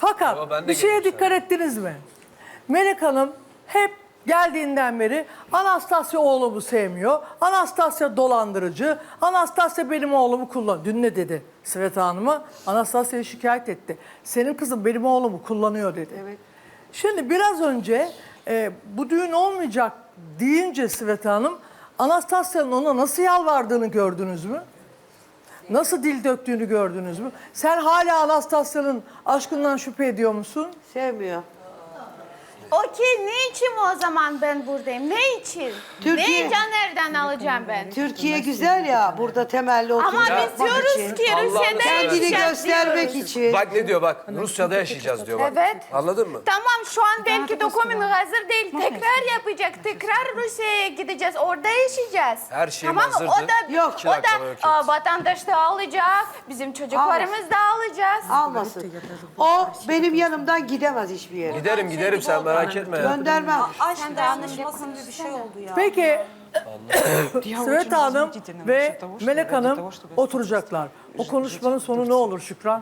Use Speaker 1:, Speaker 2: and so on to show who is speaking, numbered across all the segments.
Speaker 1: Fakat bir şeye dikkat ettiniz mi? Melek Hanım hep geldiğinden beri Anastasya oğlumu sevmiyor. Anastasya dolandırıcı. Anastasya benim oğlumu kullanıyor. Dün ne dedi Sveta Hanım'a? Anastasya'yı şikayet etti. Senin kızın benim oğlumu kullanıyor dedi.
Speaker 2: Evet.
Speaker 1: Şimdi biraz önce bu düğün olmayacak deyince Sveta Hanım, Anastasya'nın ona nasıl yalvardığını gördünüz mü? Nasıl dil döktüğünü gördünüz mü? Sen hala Anastasya'nın aşkından şüphe ediyor musun?
Speaker 2: Sevmiyor.
Speaker 3: Okey, ne için o zaman ben buradayım? Ne için?
Speaker 2: Türkiye-
Speaker 3: Ne Caner'den alacağım ben?
Speaker 2: Türkiye güzel ya, burada temelli
Speaker 3: Ama
Speaker 2: oturacak
Speaker 3: biz diyoruz ki Rusya'da
Speaker 2: kendini
Speaker 3: yaşayacağız
Speaker 2: göstermek
Speaker 3: diyoruz.
Speaker 2: için.
Speaker 4: Bak ne diyor bak. Rusya'da yaşayacağız diyor bak.
Speaker 3: Evet.
Speaker 4: Anladın mı?
Speaker 3: Tamam, şu an belki doküman hazır değil. Tekrar yapacak. Tekrar Rusya'ya gideceğiz. Orada yaşayacağız.
Speaker 4: Her şeyim
Speaker 3: tamam,
Speaker 4: hazırdı.
Speaker 3: O da,
Speaker 2: Yok.
Speaker 3: o da vatandaş da alacak. Bizim çocuklarımız da alacağız.
Speaker 2: Almasın. O benim yanımdan gidemez hiçbir yere.
Speaker 4: Giderim sen merak etme ya.
Speaker 2: Göndermem.
Speaker 3: Sen de anlaşması gibi bir şey oldu ya.
Speaker 1: Peki Sveta Hanım ve Melek Hanım oturacaklar. O konuşmanın sonu ne olur Şükran?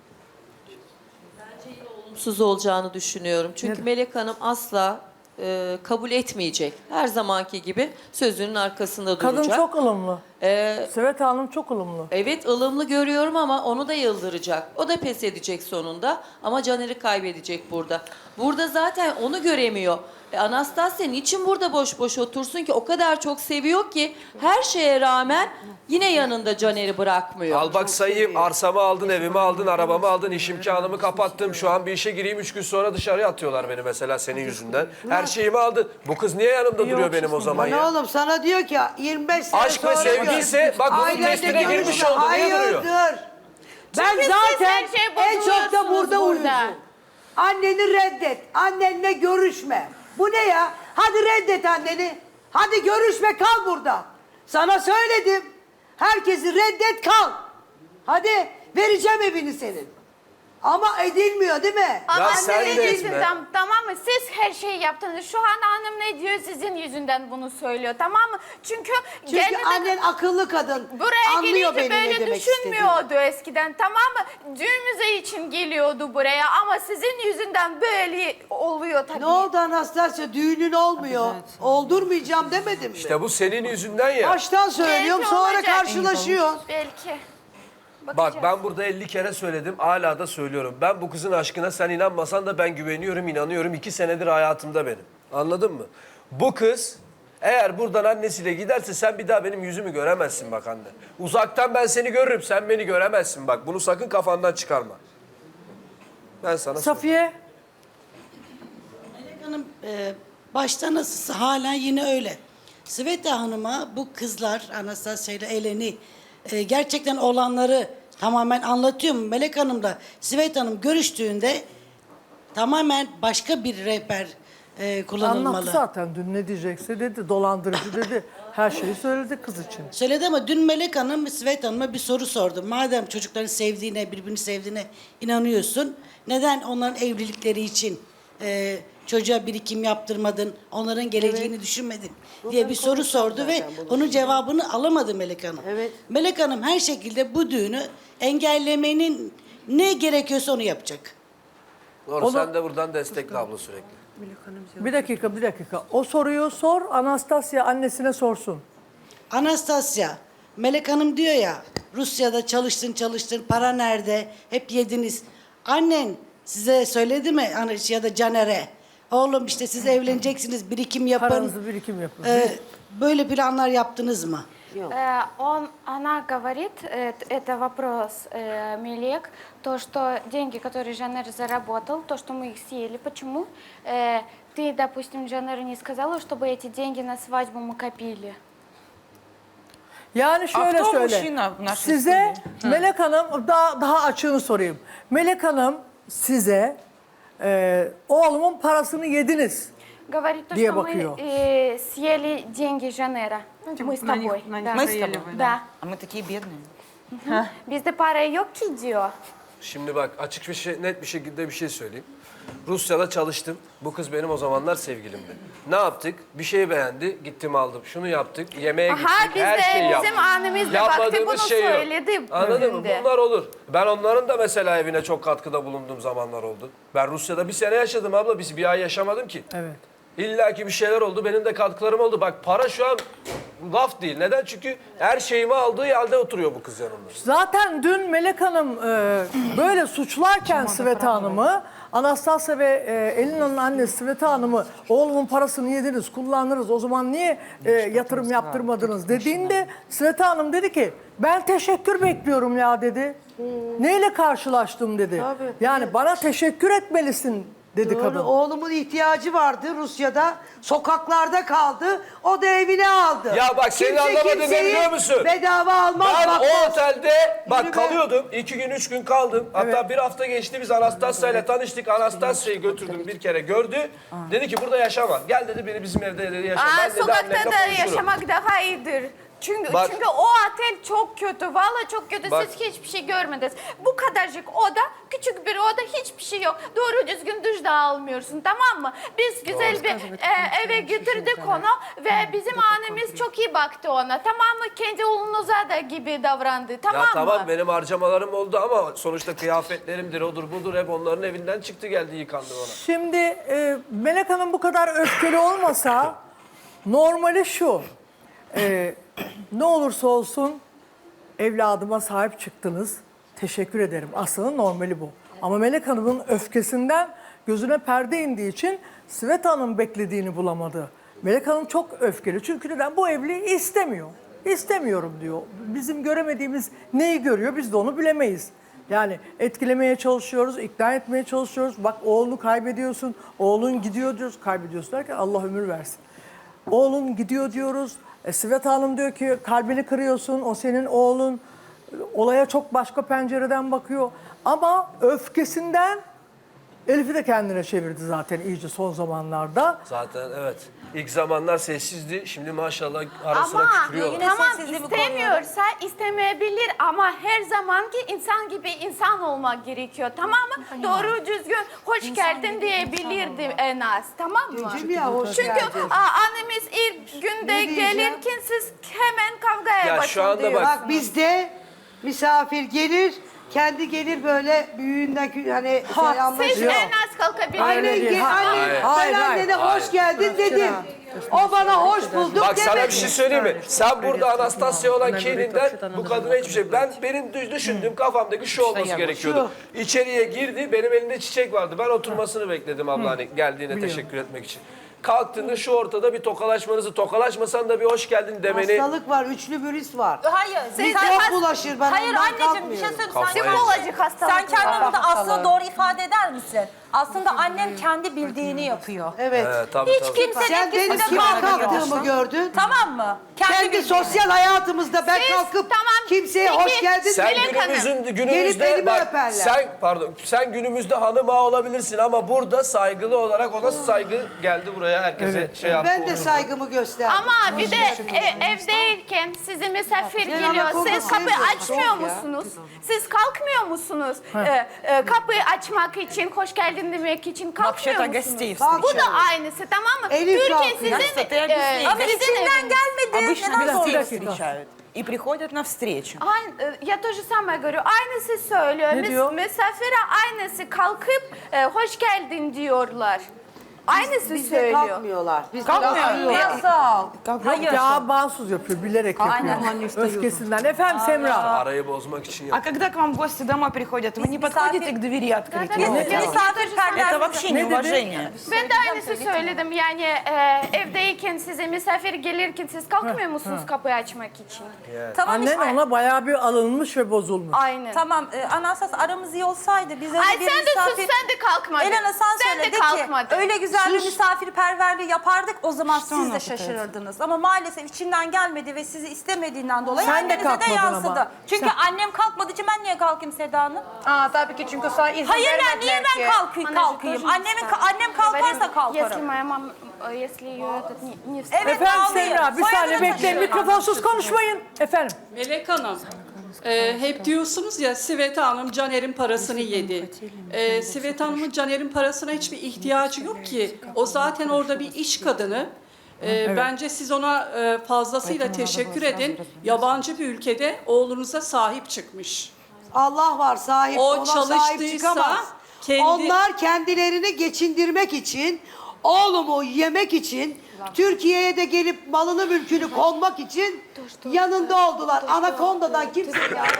Speaker 5: Olumsuz olacağını düşünüyorum. Çünkü Melek Hanım asla kabul etmeyecek. Her zamanki gibi sözünün arkasında duracak.
Speaker 1: Kadın çok ılımlı. Sveta Hanım çok ılımlı.
Speaker 5: Evet, ılımlı görüyorum ama onu da yıldıracak. O da pes edecek sonunda ama Caner'i kaybedecek burada. Burada zaten onu göremiyor. Anastasya niçin burada boş boş otursun ki? O kadar çok seviyor ki her şeye rağmen yine yanında Caner'i bırakmıyor.
Speaker 4: Al bak sayayım. Arsamı aldın, evimi aldın, arabamı aldın, iş imkanımı kapattım. Şu an bir işe gireyim 3 gün sonra dışarıya atıyorlar beni mesela senin yüzünden. Her şeyimi aldın. Bu kız niye yanımda duruyor benim o zaman
Speaker 2: Ne
Speaker 4: ya?
Speaker 2: oğlum sana diyor ki 25 sene
Speaker 4: Aşk ve
Speaker 2: sonra
Speaker 4: sevgiyse bak bunun
Speaker 2: ailenle
Speaker 4: testine girmiş
Speaker 2: görüşme.
Speaker 4: oldu. Niye duruyor?
Speaker 2: Hayırdır? Ben
Speaker 3: Çünkü siz
Speaker 2: zaten
Speaker 3: her şeye
Speaker 2: en çok da
Speaker 3: bozuluyorsunuz
Speaker 2: burada
Speaker 3: burada.
Speaker 2: uyuyorsun. Anneni reddet. Annenle görüşme. Bu ne ya? Hadi reddet anneni. Hadi görüşme, kal burada. Sana söyledim. Herkesi reddet, kal. Hadi vereceğim evini senin. Ama edilmiyor değil mi?
Speaker 3: Ama
Speaker 4: sen
Speaker 3: sizin
Speaker 4: de
Speaker 3: yüzünden,
Speaker 4: etme.
Speaker 3: tamam mı? Siz her şeyi yaptınız. Şu an hanım ne diyor? Sizin yüzünden bunu söylüyor, tamam mı? Çünkü
Speaker 2: Çünkü annen akıllı kadın.
Speaker 3: buraya
Speaker 2: Anlıyor
Speaker 3: gelince
Speaker 2: benim ne
Speaker 3: böyle
Speaker 2: demek istediğimi.
Speaker 3: düşünmüyordu eskiden, tamam mı? Düğümüze için geliyordu buraya ama sizin yüzünden böyle oluyor tabii.
Speaker 2: Ne oldu Anastasya? Düğünün olmuyor. Oldurmayacağım demedim mi?
Speaker 4: İşte bu senin yüzünden ya.
Speaker 2: Baştan söylüyorum,
Speaker 3: Belki
Speaker 2: sonra
Speaker 3: olacak.
Speaker 2: karşılaşıyor.
Speaker 3: Belki.
Speaker 4: Bak ben burada 50 kere söyledim, hala da söylüyorum. Ben bu kızın aşkına sen inanmasan da ben güveniyorum, inanıyorum. 2 senedir hayatımda benim. Anladın mı? Bu kız eğer buradan annesiyle giderse sen bir daha benim yüzümü göremezsin bak anne. Uzaktan ben seni görürüm, sen beni göremezsin bak. Bunu sakın kafandan çıkarma. Ben sana söyleyeyim.
Speaker 1: Safiye,
Speaker 6: Melek Hanım başta nasılsa hala yine öyle. Sveta Hanım'a bu kızlar Anastasya ile Eleni gerçekten olanları tamamen anlatıyor mu? Melek Hanım da Sveta Hanım görüştüğünde tamamen başka bir rehber kullanılmalı.
Speaker 1: anlattı zaten dün ne diyecekse dedi. Dolandırıcı dedi. Her şeyi söyledi kız için.
Speaker 6: Söyledi ama dün Melek Hanım Sveta Hanım'a bir soru sordu. Madem çocukların sevdiğine, birbirini sevdiğine inanıyorsun, neden onların evlilikleri için çocuğa birikim yaptırmadın, onların geleceğini düşünmedin diye bir soru sordu ve onun cevabını alamadı Melek Hanım.
Speaker 2: Evet.
Speaker 6: Melek Hanım her şekilde bu düğünü engellemenin ne gerekiyorsa onu yapacak.
Speaker 4: Doğru, sen de buradan destekle abla sürekli.
Speaker 1: Bir dakika. O soruyu sor, Anastasya annesine sorsun.
Speaker 6: Anastasya, Melek Hanım diyor ya, Rusya'da çalıştın, para nerede, hep yediniz. Annen size söyledi mi ya da Caner'e? Oğlum işte siz evleneceksiniz, birikim yapın.
Speaker 1: Paranızı birikim yapın.
Speaker 6: Böyle planlar yaptınız mı?
Speaker 3: Она говорит, это вопрос Мелек, то, что деньги, которые Жанер заработал, то, что мы их съели, почему ты, допустим, Жанеру не сказала, чтобы эти деньги на свадьбу мы копили?
Speaker 1: Yani şöyle
Speaker 7: кто
Speaker 1: söyle.
Speaker 7: мужчина в нашей
Speaker 1: Size Melek Hanım daha açığını sorayım. Melek Hanım size oğlumun parasını yediniz.
Speaker 3: Говорит то,
Speaker 1: Где
Speaker 3: что мы
Speaker 1: bakıyor?
Speaker 3: съели деньги Жанера. Мы с тобой. Да.
Speaker 7: Мы с тобой?
Speaker 3: Да.
Speaker 7: А мы такие бедные.
Speaker 3: Bizde para yok ki diyor.
Speaker 4: Şimdi bak açık bir şey, net bir şekilde bir şey söyleyeyim. Rusya'da çalıştım. Bu kız benim o zamanlar sevgilimdi. Ne yaptık? Bir şey beğendi, gittim aldım. Şunu yaptık, yemeğe gittik,
Speaker 3: Aha, biz
Speaker 4: her
Speaker 3: de
Speaker 4: şeyi yaptık.
Speaker 3: bizim annemiz de baktı,
Speaker 4: Yapmadığımız
Speaker 3: bunu
Speaker 4: şey yok.
Speaker 3: söyledi
Speaker 4: Anladın mı?
Speaker 3: bugün de.
Speaker 4: Bunlar olur. Ben onların da mesela evine çok katkıda bulunduğum zamanlar oldu. Ben Rusya'da bir sene yaşadım abla. Biz bir ay yaşamadım ki.
Speaker 1: Evet.
Speaker 4: İlla ki bir şeyler oldu. Benim de katkılarım oldu. Bak para şu an laf değil. Neden? Çünkü her şeyimi aldığı halde oturuyor bu kız yanımda.
Speaker 1: Zaten dün Melek Hanım böyle suçlarken Sveta Hanım'ı, Anastasya ve Elina'nın annesi Sveta Hanım'ı oğlumun parasını yediniz, kullandınız, o zaman niye yatırım yaptırmadınız dediğinde Sveta Hanım dedi ki ben teşekkür bekliyorum ya dedi. Neyle karşılaştım dedi.
Speaker 2: Tabii.
Speaker 1: Yani bana teşekkür etmelisin dedi
Speaker 2: Doğru,
Speaker 1: kadın.
Speaker 2: oğlumun ihtiyacı vardı Rusya'da. Sokaklarda kaldı. O da evine aldı.
Speaker 4: Ya bak senin
Speaker 2: Kimse
Speaker 4: anlamadığın ne
Speaker 2: kimseyi
Speaker 4: biliyor musun?
Speaker 2: bedava almaz.
Speaker 4: Ben
Speaker 2: bakmaz.
Speaker 4: o otelde bak
Speaker 2: Yürü be.
Speaker 4: kalıyordum. 2 gün 3 gün kaldım. Hatta bir hafta geçti biz Anastasya ile tanıştık. Anastasya'yı götürdüm bir kere gördü. Dedi ki burada yaşama. Gel dedi beni bizim evde dedi yaşa. Ben dedi
Speaker 3: Sokakta
Speaker 4: annemle
Speaker 3: da
Speaker 4: konuşurum.
Speaker 3: yaşamak daha iyidir. Çünkü
Speaker 4: Bak-
Speaker 3: çünkü o otel çok kötü. Vallahi çok kötü.
Speaker 4: Bak-
Speaker 3: Siz hiçbir şey görmediniz. Bu kadarcık oda, küçük bir oda, hiçbir şey yok. Doğru düzgün duş da almıyorsun, tamam mı? Biz güzel bir eve getirdik onu ve bizim annemiz çok iyi baktı ona. Tamam mı? Kendi oğlunuza da gibi davrandı. Tamam
Speaker 4: Ya
Speaker 3: mı?
Speaker 4: tamam benim harcamalarım oldu ama sonuçta kıyafetlerimdir odur budur hep onların evinden çıktı geldi yıkandı ona.
Speaker 1: Şimdi Melek Hanım bu kadar öfkeli olmasa normali şu. Ne olursa olsun evladıma sahip çıktınız. Teşekkür ederim. Aslında normali bu. Ama Melek Hanım'ın öfkesinden gözüne perde indiği için Sveta Hanım beklediğini bulamadı. Melek Hanım çok öfkeli. Çünkü neden? Bu evliliği istemiyor. İstemiyorum diyor. Bizim göremediğimiz neyi görüyor biz de onu bilemeyiz. Yani etkilemeye çalışıyoruz, ikna etmeye çalışıyoruz. Bak oğlunu kaybediyorsun, oğlun gidiyor diyoruz. Kaybediyorsun derken Allah ömür versin. Oğlun gidiyor diyoruz. Sveta Hanım diyor ki kalbini kırıyorsun, o senin oğlun. Olaya çok başka pencereden bakıyor. Ama öfkesinden Elif'i de kendine çevirdi zaten iyice son zamanlarda.
Speaker 4: Zaten evet. İlk zamanlar sessizdi. Şimdi maşallah ara sıra
Speaker 3: Ama
Speaker 4: küfürüyorlar.
Speaker 3: tamam
Speaker 5: sessizliğimi
Speaker 3: istemiyorsa istemeyebilir ama her zamanki insan gibi insan olmak gerekiyor, tamam mı? Doğru düzgün hoş geldin diyebilirdi en az, tamam mı?
Speaker 2: Diyeceğim ya, hoş
Speaker 3: Çünkü
Speaker 2: geldin.
Speaker 3: annemiz ilk günde
Speaker 2: Ne diyeceğim?
Speaker 3: gelirken siz hemen kavgaya
Speaker 4: Ya
Speaker 3: başladınız.
Speaker 4: şu anda bak-
Speaker 2: Bak bizde misafir gelir, kendi gelir böyle büyüğünden hani
Speaker 3: Siz
Speaker 2: selamlaşıyor.
Speaker 3: en az kalkabilirsiniz.
Speaker 2: Annen,
Speaker 1: değil.
Speaker 2: annen,
Speaker 1: Hayır,
Speaker 2: ben
Speaker 1: hayır.
Speaker 2: annene hoş geldin dedim. O bana hoş bulduk
Speaker 4: Bak sana
Speaker 2: demedi.
Speaker 4: bir şey söyleyeyim mi? Sen burada Anastasya olan kininden bu kadına hiçbir şey... Benim düşündüğüm kafamdaki şu olması gerekiyordu. İçeriye girdi, benim elimde çiçek vardı. Ben oturmasını bekledim abla hani geldiğine teşekkür etmek için. Kalktığında şu ortada bir tokalaşmanızı, tokalaşmasan da bir hoş geldin demeni...
Speaker 2: Hastalık var, üçlü virüs var.
Speaker 7: Hayır.
Speaker 2: Biz
Speaker 7: sen-
Speaker 2: çok bulaşır, ben
Speaker 7: Hayır
Speaker 2: ondan
Speaker 7: anneciğim bir şey
Speaker 2: kalkmıyorum.
Speaker 7: söyleyeyim.
Speaker 4: Kafayı
Speaker 7: Sen,
Speaker 3: Psikolojik hastalık.
Speaker 7: sen kendini
Speaker 3: var.
Speaker 7: burada aslında doğru ifade eder misin? Aslında annem kendi bildiğini yapıyor.
Speaker 2: Evet.
Speaker 4: Tabii,
Speaker 7: Hiç
Speaker 4: tabii.
Speaker 7: kimsenin
Speaker 2: Sen benim
Speaker 7: etkisinde
Speaker 2: kime
Speaker 7: kalmıyor.
Speaker 2: kalktığımı gördün.
Speaker 7: Tamam mı?
Speaker 2: Kendi
Speaker 7: bildiğini.
Speaker 2: sosyal hayatımızda ben
Speaker 3: Siz,
Speaker 2: kalkıp
Speaker 3: tamam,
Speaker 2: kimseye
Speaker 3: peki,
Speaker 2: hoş geldin
Speaker 4: Sen
Speaker 3: Melek Hanım.
Speaker 2: Gelip
Speaker 4: günümüzde
Speaker 2: elimi
Speaker 4: bak
Speaker 2: öperler.
Speaker 4: sen günümüzde hanım ağa olabilirsin ama burada saygılı olarak ona saygı geldi buraya herkese şey yaptı.
Speaker 2: Ben de saygımı gösterdim.
Speaker 3: Ama bir de evdeyken size misafir
Speaker 2: Gel
Speaker 3: geliyor.
Speaker 2: ama
Speaker 3: Siz
Speaker 2: kokusu
Speaker 3: kapıyı
Speaker 2: yok.
Speaker 3: açmıyor
Speaker 2: Soğuk ya.
Speaker 3: musunuz? Siz kalkmıyor musunuz? Kapıyı açmak için, hoş geldin demek için kalkmıyor musunuz? Bu da aynısı, tamоtamam mı?
Speaker 2: Elif
Speaker 3: Türkiye
Speaker 2: kalkıyor.
Speaker 3: sizin
Speaker 7: Ama içinden gelmedi.
Speaker 8: Обычно
Speaker 7: Neden
Speaker 8: гостей
Speaker 7: zorluyorsun?
Speaker 8: встречают и приходят навстречу.
Speaker 3: Я тоже самое говорю. Aynısı söylüyor.
Speaker 1: Ne diyor?
Speaker 3: Misafire aynısı kalkıp hoş geldin diyorlar. Aynısı
Speaker 2: Bizde
Speaker 3: söylüyor.
Speaker 2: kalkmıyorlar. Bizde
Speaker 7: Nasıl?
Speaker 8: Hayır.
Speaker 1: Ya mahsus yapıyor, bilerek yapıyor. Öfkesinden. Efendim Semra.
Speaker 4: Arayı bozmak için
Speaker 8: А
Speaker 4: yaptı.
Speaker 8: когда к вам гости домой приходят, вы не подходите к двери открыть?
Speaker 3: Да,
Speaker 8: ее?
Speaker 3: да, да.
Speaker 8: Это вообще неуважение.
Speaker 3: Ben de aynısı söyledim. Yani evdeyken size misafir gelirken siz kalkmıyor musunuz kapıyı açmak için?
Speaker 7: Tamam
Speaker 1: Annen
Speaker 7: işte.
Speaker 1: ona bayağı bir alınmış ve bozulmuş.
Speaker 3: Aynen.
Speaker 7: Tamam Anastas aramız iyi olsaydı biz öyle
Speaker 3: Ay
Speaker 7: bir
Speaker 3: sen de sus,
Speaker 7: misafir...
Speaker 3: sen de kalkmadın.
Speaker 7: Elena sen
Speaker 3: Sen
Speaker 7: söyle
Speaker 3: de
Speaker 7: de
Speaker 3: kalkmadın.
Speaker 7: ki öyle güzel bir misafirperverliği yapardık o zaman siz de şaşırırdınız. Ama maalesef içinden gelmedi ve sizi istemediğinden dolayı
Speaker 1: Sen de
Speaker 7: annenize de
Speaker 1: kalkmadın
Speaker 7: yansıdı.
Speaker 1: ama.
Speaker 7: Çünkü annem kalkmadığı için ben niye kalkayım Seda Hanım?
Speaker 8: tabii ki çünkü sana izin
Speaker 7: Hayır
Speaker 8: vermediler
Speaker 7: niye ben
Speaker 8: ki.
Speaker 7: kalkayım? Annem kalkarsa
Speaker 3: Если
Speaker 7: kalkarım.
Speaker 3: моя мама, если ее этот не
Speaker 7: Evet
Speaker 1: Efendim
Speaker 7: ağlayayım.
Speaker 1: Semra bir
Speaker 7: Soyadını
Speaker 1: saniye bekleyin.
Speaker 7: taşıyorum.
Speaker 1: Mikrofonsuz konuşmayın. Efendim.
Speaker 9: Melek Hanım, Hep diyorsunuz ya Sveta Hanım Caner'in parasını yedi. Sveta Hanım'ın Caner'in parasına hiçbir ihtiyacı yok ki. O zaten orada bir iş kadını. Bence siz ona fazlasıyla teşekkür edin. Yabancı bir ülkede oğlunuza sahip çıkmış.
Speaker 2: Allah var sahip,
Speaker 9: O
Speaker 2: ona sahip
Speaker 9: çalıştıysa
Speaker 2: çıkamaz.
Speaker 9: kendi-
Speaker 2: Onlar kendilerini geçindirmek için, oğlumu yemek için, Türkiye'ye de gelip malını mülkünü konmak için yanında oldular. Anakonda'dan kimse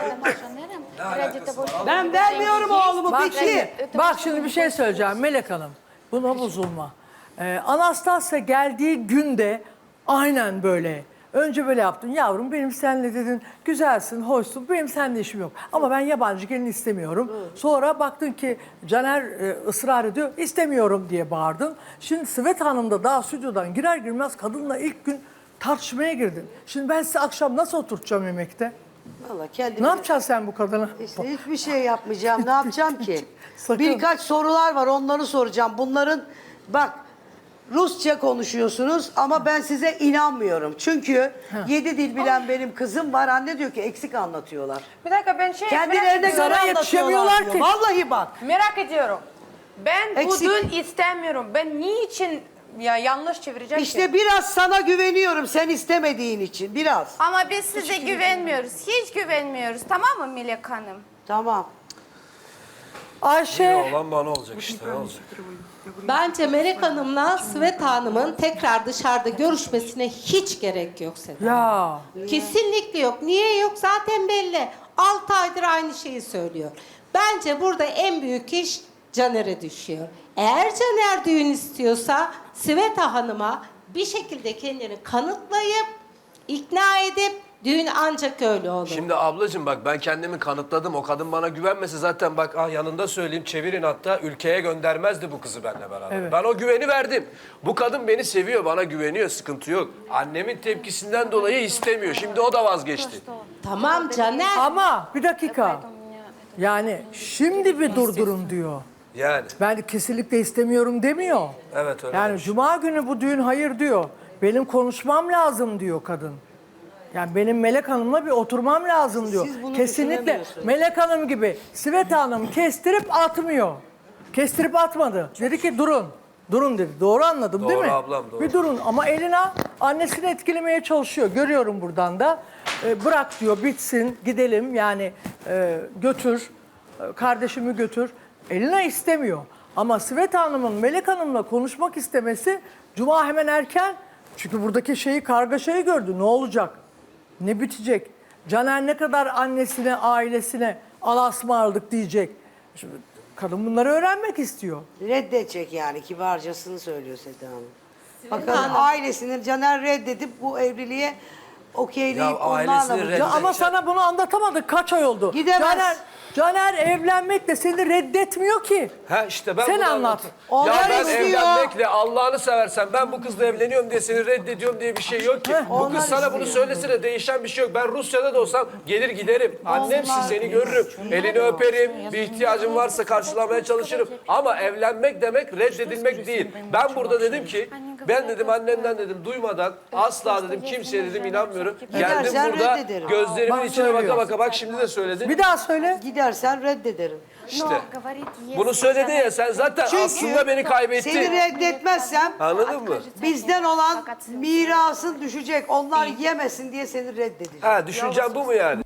Speaker 2: Ben vermiyorum oğlumu,
Speaker 1: Bak
Speaker 2: bitti.
Speaker 1: şimdi, bak şimdi bir şey söyleyeceğim Melek Hanım. Buna bozulma. Anastasya geldiği günde aynen böyle. Önce böyle yaptın. Yavrum benim seninle dedin güzelsin, hoşsun. Benim seninle işim yok. Ama ben yabancı gelin istemiyorum. Sonra baktın ki Caner ısrar ediyor. İstemiyorum diye bağırdın. Şimdi Sveta Hanım da daha stüdyodan girer girmez kadınla ilk gün tartışmaya girdin. Şimdi ben size akşam nasıl oturtacağım yemekte?
Speaker 2: Vallahi kendimi...
Speaker 1: Ne yapacaksın sen bu kadına?
Speaker 2: İşte hiçbir şey yapmayacağım. Ne yapacağım ki?
Speaker 1: Sakın.
Speaker 2: Birkaç sorular var, onları soracağım. Bunların bak Rusça konuşuyorsunuz ama ben size inanmıyorum. Çünkü 7 dil bilen benim kızım var. Anne diyor ki eksik anlatıyorlar.
Speaker 8: Bir dakika ben şey
Speaker 2: Kendilerine göre
Speaker 1: Sana
Speaker 2: anlatıyorlar
Speaker 1: yetişemiyorlar
Speaker 2: diyor.
Speaker 1: ki.
Speaker 2: Vallahi bak.
Speaker 8: merak ediyorum. Ben
Speaker 2: Eksik.
Speaker 8: bu dün istemiyorum. Ben niçin ya yanlış çevireceğim ki?
Speaker 2: İşte biraz sana güveniyorum sen istemediğin için. Biraz.
Speaker 3: Ama biz size güvenmiyoruz. Hiç güvenmiyoruz. Tamam mı Melek Hanım?
Speaker 2: Tamam.
Speaker 1: Ayşe.
Speaker 4: Olan bana olacak işte. Ne olacak?
Speaker 10: Bence Melek Hanım'la Sveta Hanım'ın tekrar dışarıda görüşmesine hiç gerek yok Seda.
Speaker 1: Ya.
Speaker 10: Kesinlikle yok. Niye yok? Zaten belli. 6 aydır aynı şeyi söylüyor. Bence burada en büyük iş Caner'e düşüyor. Eğer Caner düğün istiyorsa Sveta Hanım'a bir şekilde kendini kanıtlayıp ikna edip düğün ancak öyle olur.
Speaker 4: Şimdi ablacığım bak ben kendimi kanıtladım. O kadın bana güvenmese zaten bak yanında söyleyeyim çevirin hatta ülkeye göndermezdi bu kızı benimle beraber.
Speaker 1: Evet.
Speaker 4: Ben o güveni verdim. Bu kadın beni seviyor, bana güveniyor, sıkıntı yok. Annemin tepkisinden dolayı istemiyor. Şimdi o da vazgeçti.
Speaker 10: Tamam Caner.
Speaker 1: Ama bir dakika. Yani şimdi bir durdurun diyor.
Speaker 4: Yani.
Speaker 1: Ben kesinlikle istemiyorum demiyor.
Speaker 4: Evet öyle.
Speaker 1: Yani cuma günü bu düğün hayır diyor. Benim konuşmam lazım diyor kadın. Yani benim Melek Hanım'la bir oturmam lazım diyor.
Speaker 2: Siz bunu
Speaker 1: Kesinlikle
Speaker 2: düşünemiyorsunuz.
Speaker 1: Melek Hanım gibi Sveta Hanım kestirip atmıyor. Kestirip atmadı. Dedi ki durun. Durun dedi. Doğru anladım değil
Speaker 4: Doğru
Speaker 1: mi?
Speaker 4: ablam, doğru.
Speaker 1: Bir durun ama Elina annesini etkilemeye çalışıyor. Görüyorum buradan da. Bırak diyor bitsin gidelim yani götür. Kardeşimi götür. Elina istemiyor. Ama Sveta Hanım'ın Melek Hanım'la konuşmak istemesi cuma hemen erken. Çünkü buradaki kargaşayı gördü. Ne olacak? Ne bitecek? Caner ne kadar annesine, ailesine alasmarladık diyecek. Şimdi kadın bunları öğrenmek istiyor.
Speaker 2: Reddedecek yani kibarcasını söylüyor Seda Hanım. Bakalım ailesini Caner reddedip bu evliliğe okeyleyip
Speaker 4: Ya
Speaker 2: onlarla
Speaker 4: ailesini
Speaker 2: mı?
Speaker 4: reddedecek.
Speaker 1: Ya ama sana bunu anlatamadık. Kaç ay oldu?
Speaker 2: Gidemez.
Speaker 1: Caner evlenmekle seni reddetmiyor ki.
Speaker 4: Ha işte ben
Speaker 1: Sen
Speaker 4: bunu
Speaker 1: anlat.
Speaker 4: anlatayım.
Speaker 2: Onlar
Speaker 4: Ya ben
Speaker 2: istiyor.
Speaker 4: evlenmekle Allah'ını seversen ben bu kızla evleniyorum diye seni reddediyorum diye bir şey yok ki. Bu
Speaker 2: onlar
Speaker 4: kız sana bunu
Speaker 2: istiyor.
Speaker 4: söylesene değişen bir şey yok. Ben Rusya'da da olsam gelir giderim. Annemsin seni görürüm. Elini öperim. Bir ihtiyacım varsa karşılamaya çalışırım. Ama evlenmek demek reddedilmek değil. Ben burada dedim ki ben dedim annemden dedim duymadan asla dedim kimseye dedim inanmıyorum. Geldim
Speaker 2: Gidersen
Speaker 4: burada
Speaker 2: reddederim.
Speaker 4: gözlerimin
Speaker 1: Bak
Speaker 4: içine baka
Speaker 1: söylüyor.
Speaker 4: baka bak şimdi de söyledin.
Speaker 1: Bir daha söyle.
Speaker 2: Gidersen reddederim.
Speaker 4: İşte.
Speaker 3: говорит, если
Speaker 4: Bunu söyledin ya sen zaten
Speaker 2: Çünkü
Speaker 4: aslında beni kaybettin.
Speaker 2: Seni reddetmezsem
Speaker 4: Anladın mı?
Speaker 2: bizden olan mirasın düşecek. Onlar yemesin diye seni reddedeceğim.
Speaker 4: Ha düşüncen bu mu yani?